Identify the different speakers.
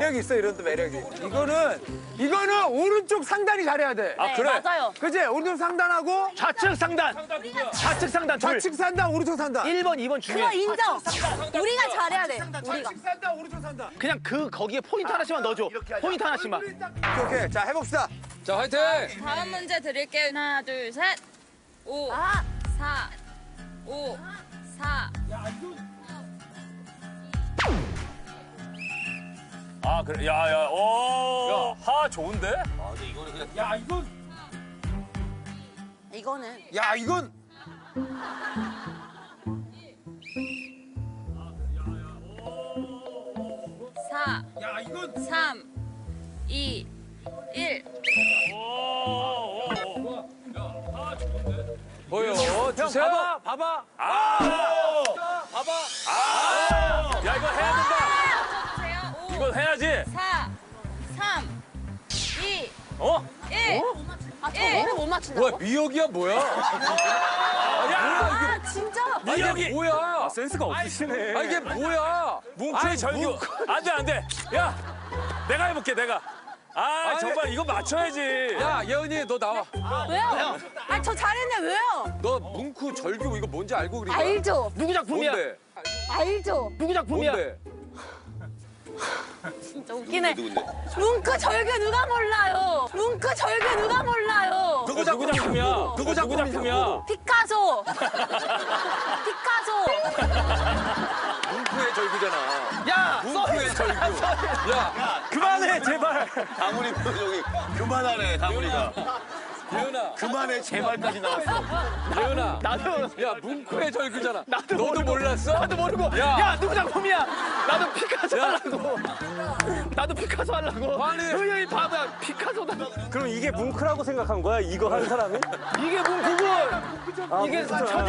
Speaker 1: 매력이 있어, 이런 또 매력이. 이거는 오른쪽 상단이 잘해야 돼.
Speaker 2: 아, 그래?
Speaker 3: 맞아요.
Speaker 1: 그치? 오른쪽 상단하고
Speaker 2: 좌측 상단. 좌측 상단 둘.
Speaker 1: 좌측 상단, 오른쪽 상단.
Speaker 2: 1번, 2번
Speaker 3: 그거
Speaker 2: 중요해.
Speaker 3: 인정. 우리가 잘해야 돼. 우리가.
Speaker 1: 좌측 상단, 오른쪽 상단.
Speaker 2: 그냥 거기에 포인트 하나씩만 넣어줘. 포인트 하나씩만.
Speaker 1: 오케이. 자, 해봅시다.
Speaker 4: 자, 화이팅!
Speaker 5: 다음 문제 드릴게요. 하나, 둘, 셋. 5,
Speaker 3: 아,
Speaker 5: 4, 5, 4.
Speaker 4: 아, 그래. 야, 오. 하 좋은데?
Speaker 3: 이거는
Speaker 1: 야, 이건
Speaker 5: 4, 3, 2, 1.
Speaker 4: 보여. 주세요.
Speaker 1: 봐봐.
Speaker 4: 야, 이거 해야 된다.
Speaker 5: 주세요. 5,
Speaker 4: 이건 해야지.
Speaker 5: 4, 3, 2,
Speaker 4: 어?
Speaker 5: 1.
Speaker 3: 아, 저거를 못 맞춘다고?
Speaker 1: 뭐야, 미역이야, 뭐야?
Speaker 3: 아, 진짜?
Speaker 4: 미역이.
Speaker 1: 뭐야?
Speaker 4: 센스가 없으시네.
Speaker 1: 아, 이게 뭐야?
Speaker 4: 뭉크의 절규. 안 돼, 안 돼. 야, 내가 해볼게, 내가. 아,
Speaker 1: 아니.
Speaker 4: 정말 이거 맞춰야지.
Speaker 1: 야, 예은이, 너 나와.
Speaker 3: 왜요? 아, 저 잘했네, 왜요?
Speaker 1: 너 뭉크 절규 이거 뭔지 알고 그린 거야?
Speaker 3: 알죠?
Speaker 2: 누구 작품이야?
Speaker 1: 뭔데?
Speaker 3: 알죠?
Speaker 2: 누구 작품이야?
Speaker 1: 뭔데?
Speaker 3: 진짜 웃기네. 뭉크 절규 누가 몰라요? 뭉크 절규 누가 몰라요?
Speaker 4: 누구 작품이야? 누구 작품이야?
Speaker 3: 피카소. 피카소.
Speaker 1: 뭉크의 절규잖아.
Speaker 2: 야!
Speaker 1: 뭉크의 절규. 야,
Speaker 4: 그만해, 제발.
Speaker 6: 다문이 표정이 그만하네, 다문이가.
Speaker 1: 예은아.
Speaker 6: 그만해, 제발까지 나왔어.
Speaker 1: 예은아.
Speaker 2: 나도
Speaker 1: 야, 뭉크의 절규잖아.
Speaker 2: 나도
Speaker 1: 너도
Speaker 2: 모르고.
Speaker 1: 몰랐어?
Speaker 2: 나도 모르고.
Speaker 1: 야.
Speaker 2: 야, 누구 작품이야? 나도 피카소 하려고. 나도 피카소 하려고.
Speaker 1: 아니.
Speaker 2: 효연이 봐봐. 피카소다.
Speaker 7: 그럼 이게 뭉크라고 생각한 거야? 이거 한 사람이?
Speaker 2: 이게 뭉크고. 이게